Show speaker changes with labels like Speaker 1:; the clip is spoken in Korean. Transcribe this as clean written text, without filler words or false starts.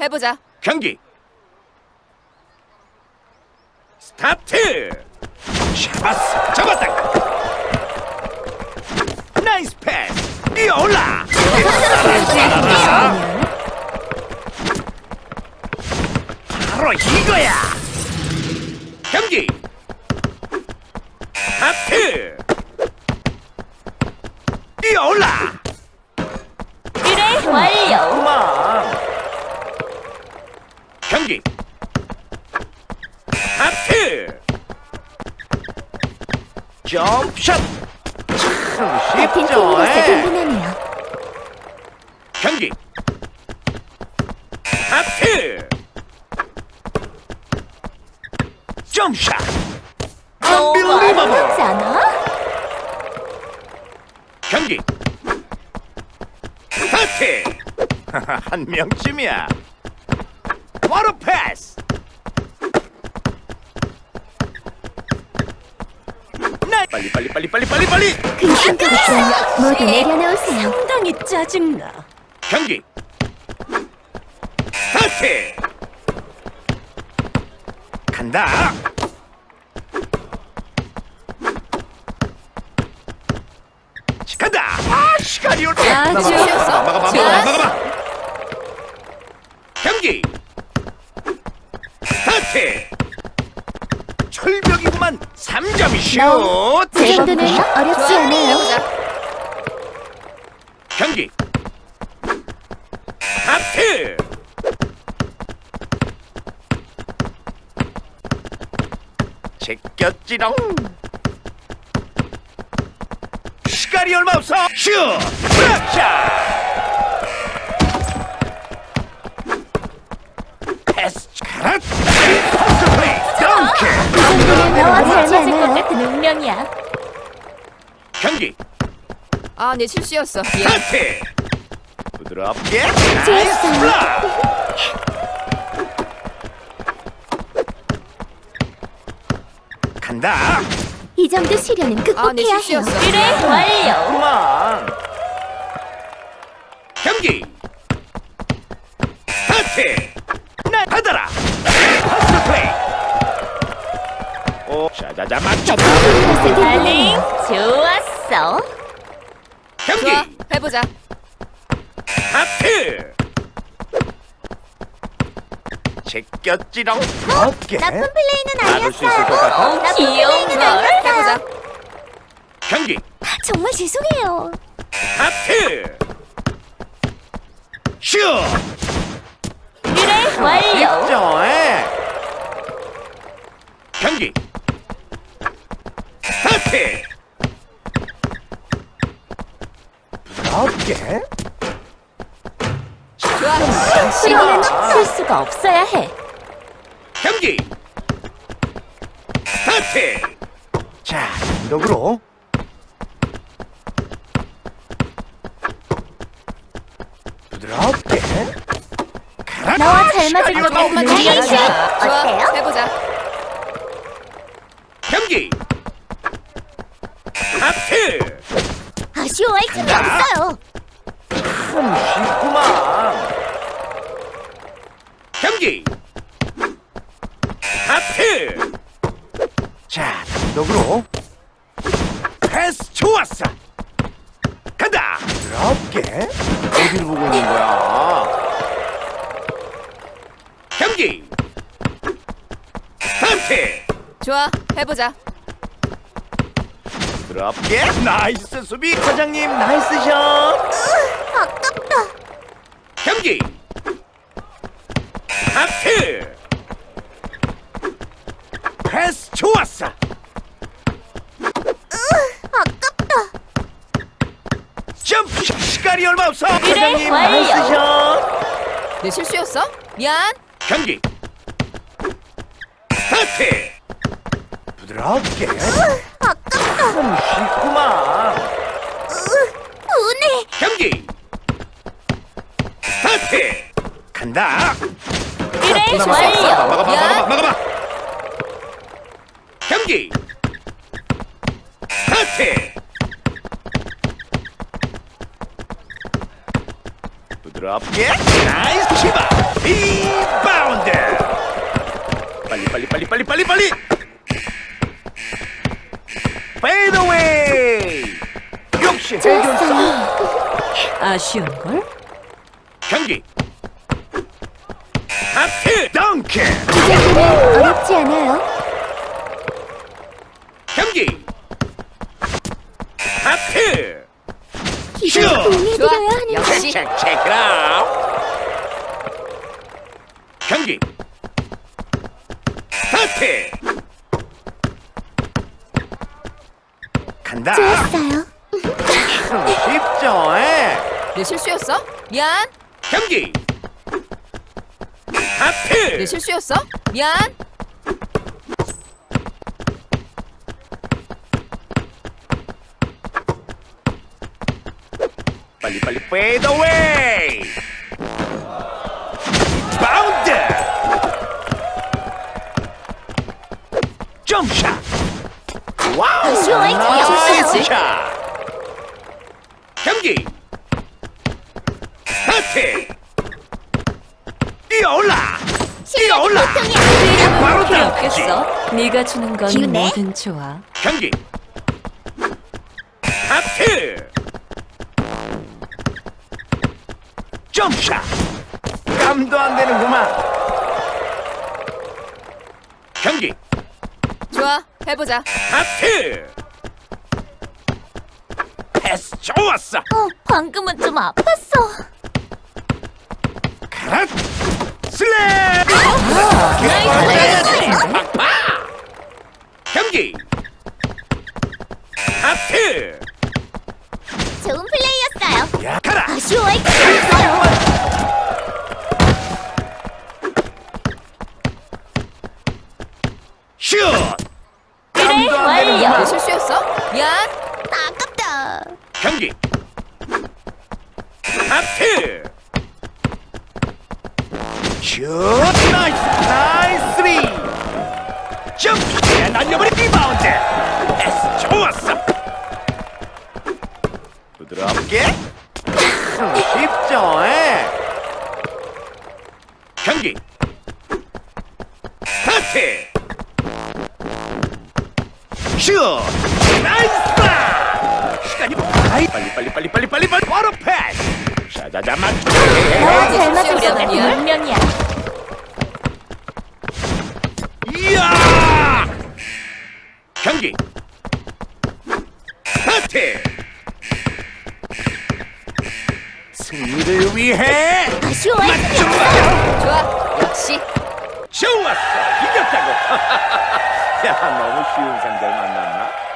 Speaker 1: 해보자.
Speaker 2: 경기 스타트. 잡았어. 잡았다. 나이스 패스. 뛰어올라. 바로 이거야. 경기 스타트. 뛰어올라.
Speaker 3: 그래, 완료.
Speaker 2: 그만. 경기 스타트. 점프샷. 참
Speaker 3: 같은
Speaker 2: 쉽죠.
Speaker 3: 팀으로서 든든하네요.
Speaker 2: 경기 스타트. 점샷.
Speaker 3: 어렵지
Speaker 2: Unbelievable.
Speaker 3: 않아?
Speaker 2: 경기 스타트. 한 명쯤이야. 워터 패스. 빨리.
Speaker 3: 그 순간부터 모두 내려놓으세요. 상당히 짜증나.
Speaker 2: 경기 스타트. 간다. 간다. 아, 시간이 올 때.
Speaker 1: 아주
Speaker 2: 막아봐.
Speaker 1: 좋았어.
Speaker 2: 경기 스타트. 철벽이구만. 3점 슛.
Speaker 3: 제 정도는 어렵지
Speaker 1: 좋아.
Speaker 3: 않아요.
Speaker 1: 해보자.
Speaker 2: 경기 스타트. 제꼈지롱. 시간이 얼마 없어. 슛. 브락샷. 패스. 가라. 패스 플레이. 덩크.
Speaker 3: 정도는 너와 잘 맞을 것
Speaker 1: 않아요.
Speaker 3: 같은 운명이야.
Speaker 2: 경기
Speaker 1: 아, 내 실수였어. 미안.
Speaker 2: 스타트. 부드럽게.
Speaker 3: 좋았어.
Speaker 2: 나이스 블락. 간다.
Speaker 3: 이 정도 시련은
Speaker 1: 아, 내
Speaker 3: 극복해야 해요.
Speaker 1: 실수였어.
Speaker 3: 그래, 완료.
Speaker 2: 그만. 경기 스타트. 나 받아라. 파스 플레이. 오, 자자자 맞춰.
Speaker 3: 달링, 좋았어.
Speaker 2: 경기
Speaker 1: 좋아. 해보자.
Speaker 2: 스타트. 제꼈지롱. 어깨.
Speaker 3: 나쁜 플레이는
Speaker 2: 막을 수 있을 것 같아.
Speaker 3: 귀여운 걸.
Speaker 1: 해보자.
Speaker 2: 경기
Speaker 3: 정말 죄송해요.
Speaker 2: 스타트. 슛.
Speaker 3: 그래, 완료.
Speaker 2: 좋아해. 경기 스타트. 부드럽게.
Speaker 1: 좋아.
Speaker 3: 수련은 실수가 없어야 해.
Speaker 2: 경기 스타트. 자, 단독으로. 부드럽게. 가라.
Speaker 3: 너와 잘 맞을 것 같은
Speaker 1: 조금만
Speaker 3: 운명이야.
Speaker 1: 기다려라. 좋아.
Speaker 3: 어때요?
Speaker 1: 해보자.
Speaker 2: 경기 스타트.
Speaker 3: 아쉬워할 틈이 없어요.
Speaker 2: 참 쉽구만. 경기 스타트. 자, 단독으로. 패스 좋았어. 간다. 부드럽게. 어디를 보고 있는 거야? 경기 스타트.
Speaker 1: 좋아. 해보자.
Speaker 2: 부드럽게. 나이스 수비. 과장님 나이스 샷.
Speaker 3: 아깝다.
Speaker 2: 경기 스타트. 패스 좋았어.
Speaker 3: 아깝다.
Speaker 2: 점프. 시간이 얼마 없어.
Speaker 3: 그래,
Speaker 2: 과장님
Speaker 3: 완료.
Speaker 2: 나이스 샷.
Speaker 1: 내 실수였어? 미안.
Speaker 2: 경기 스타트. 부드럽게.
Speaker 3: 아깝다.
Speaker 2: 참 쉽구만.
Speaker 3: 분해.
Speaker 2: 경기 스타트. 간다.
Speaker 3: 그래,
Speaker 2: 막아봐.
Speaker 3: 완료.
Speaker 2: 막아봐. 경기 스타트. 부드럽게. 나이스 치바.
Speaker 4: 쉬운걸?
Speaker 2: 경기 하트 덩크
Speaker 3: 이 정도는 어렵지 않아요.
Speaker 2: 경기 하트
Speaker 3: 기술
Speaker 2: 슈!
Speaker 3: 보내드려야
Speaker 1: 좋아.
Speaker 3: 하는데.
Speaker 1: 역시.
Speaker 2: 체크 it out 경기 스타트 간다
Speaker 3: 좋았어요.
Speaker 2: 쉽죠 에?
Speaker 1: 내 실수였어? 미안.
Speaker 2: 경기
Speaker 1: 내
Speaker 2: 하트
Speaker 1: 실수였어? 미안.
Speaker 2: 빨리 fade away 바운드 점샷 와우
Speaker 3: 아쉬워요.
Speaker 2: 나이스
Speaker 1: 역시.
Speaker 2: 샷 경기 스타트 뛰어올라 뛰어올라 바로
Speaker 4: 필요
Speaker 2: 덩크지
Speaker 4: 없겠어. 네가 주는 건
Speaker 3: 기운내?
Speaker 4: 뭐든 좋아.
Speaker 2: 경기 하트 점샷 깜도 안 되는구만 경기
Speaker 1: 좋아. 해보자.
Speaker 2: 하트 패스 좋았어
Speaker 3: 방금은 좀 아팠어.
Speaker 2: 가라 슬램 팍팍 경기 하트
Speaker 3: 좋은 플레이였어요.
Speaker 2: 야 가라
Speaker 3: 아쉬워할 게 없어요.
Speaker 2: 슛
Speaker 3: 그래,
Speaker 2: 깜도 안
Speaker 3: 완료.
Speaker 1: 내
Speaker 2: 되는구만
Speaker 1: 실수였어? 미안.
Speaker 3: 아깝다.
Speaker 2: 경기 하트 슛 나이스 나이스 쓰리 점프 날려버린 리바운드 패스 좋았어 부드럽게 쉽죠 에? 경기 스타트 슛 나이스 시간이 빨리 바로 패스 샤자자 맞춰
Speaker 3: 잘
Speaker 1: 맞았어.
Speaker 3: 맞았어.
Speaker 1: 미안.
Speaker 3: 분명이야.
Speaker 2: 이야 경기 스타트 승리를 위해
Speaker 3: 아쉬워할 게
Speaker 2: 맞춰
Speaker 1: 좋아. 역시.
Speaker 2: 좋았어 이겼다고 야 너무 쉬운 상대를 만났나